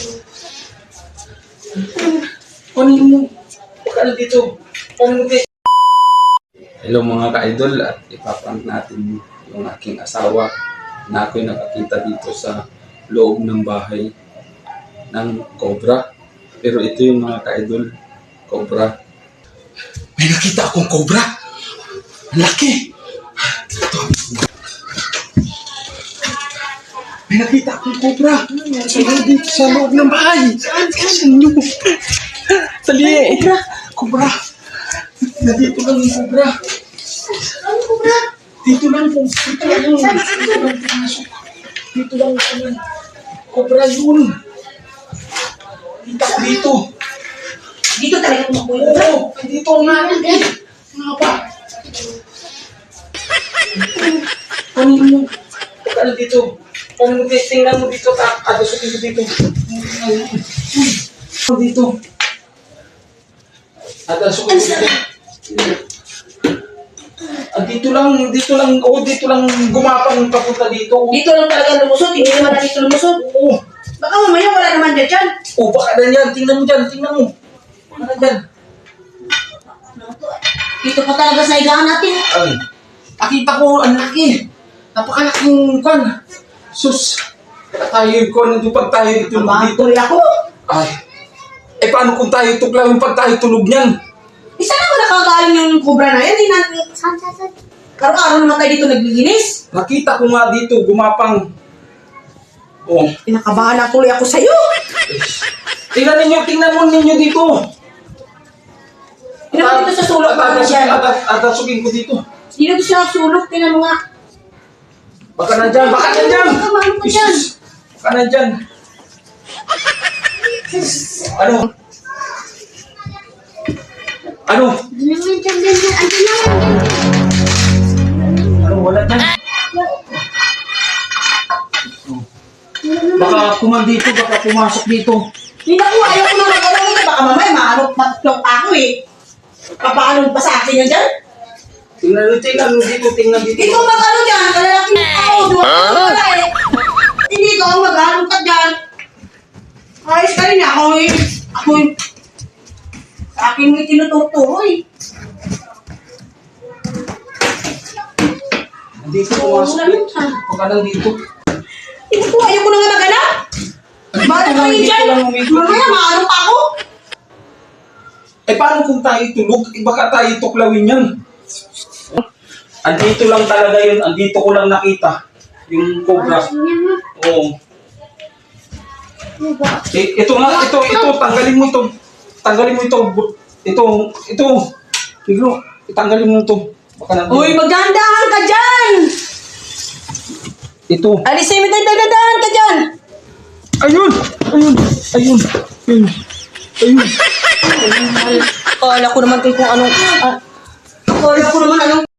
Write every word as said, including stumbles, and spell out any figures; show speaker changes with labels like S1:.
S1: Kunin mo. Pagkala dito. Kunin mo dito. Hello mga ka-idol, at ipaprank natin yung aking asawa na ako'y nakakita dito sa loob ng bahay ng cobra. Pero ito yung mga ka-idol, cobra. May nakita akong cobra! Ang laki! Ito. May nakita akong cobra! Sa dito sa loob ng bahay! Saan? Saan nyo? Sali! Cobra! Cobra! Nandito lang yung cobra!
S2: Ano cobra?
S1: Dito lang po. Dito lang yun. Dito lang pumasok. Dito lang yun. Cobra yun. Kita ko dito.
S2: Dito talaga kumakuha yung cobra?
S1: Oo. Dito ang namin eh. Nga ba? Kunin mo. Pagkala dito. Kunin mo dito. Tingnan mo dito. Adasukin mo dito. Dito. Adasukin mo dito. Ah, dito lang, dito lang, oh, dito lang gumapang papunta dito.
S2: Dito lang talaga lumusot, hindi naman na dito lumusot.
S1: Oo.
S2: Baka mamaya wala naman dyan dyan.
S1: Oh, baka na yan. Tingnan mo dyan, tingnan mo. Baka na dyan.
S2: Dito pa talaga sa higaan natin.
S1: Ay, nakita ko, ang laki. Napakalaking kwan. Sus, tayo kwan, yung pag tayo tulog dito.
S2: Tuloy ako.
S1: Ay, eh paano kung tayo tuklaw yung pag tayo tulog niyan?
S2: Isa na ba nakagaling yung cobra na yan? Hindi na... Saan, saan, saan? Araw-araw naman tayo dito naglilinis.
S1: Nakita ko nga dito, gumapang. Oh.
S2: Pinakabahan na tuloy ako sa'yo.
S1: Tingnan ninyo, tingnan mo ninyo dito.
S2: Tingnan mo dito sa sulok. Baka na dyan.
S1: Atasukin ko dito.
S2: Dito siya sulok. Tingnan mo nga.
S1: Baka na dyan, baka na dyan.
S2: Baka mahal ko dyan.
S1: Baka na dyan. Ano? Ano? Ano, wala dyan. Baka kuman dito, baka pumasok dito.
S2: Hindi na ko, ayaw ko na mag-along ito. Baka mamaya maanok matuklong pa ako eh. Papaanong pa sa akin yan dyan?
S1: Tingnan mo, tingnan mo dito, tingnan dito.
S2: Ikaw mag-ano dyan, kalalaki na ako. Duwag ko na eh. Hindi ikaw mag-ano ka dyan. Ayos ka rin ako eh. Ako eh. Sa akin may tinuturo eh.
S1: Dito pumasok dito. Baka lang dito.
S2: Hindi ko, ayaw ko na nga mag-anak. Bakit kayo dyan? Mamaya maano pa ako.
S1: Eh paano kung tayo tulog? Eh baka tayo tuklawin yan. Andito lang talaga yun. Andito ko lang nakita. Yung cobra. Oo. Eh, ito nga, ito, ito. Tanggalin mo ito. Tanggalin mo ito. Ito, ito. Biglo, tanggalin mo ito. Baka nandito.
S2: Uy, magdahan-dahan ka dyan!
S1: Ito.
S2: Alisin mo tayo, magdahan ka dyan!
S1: Ayun! Ayun! Ayun! Ayun! Ayun!
S2: Akala ko naman kung anong... Ah, akala ko naman anong...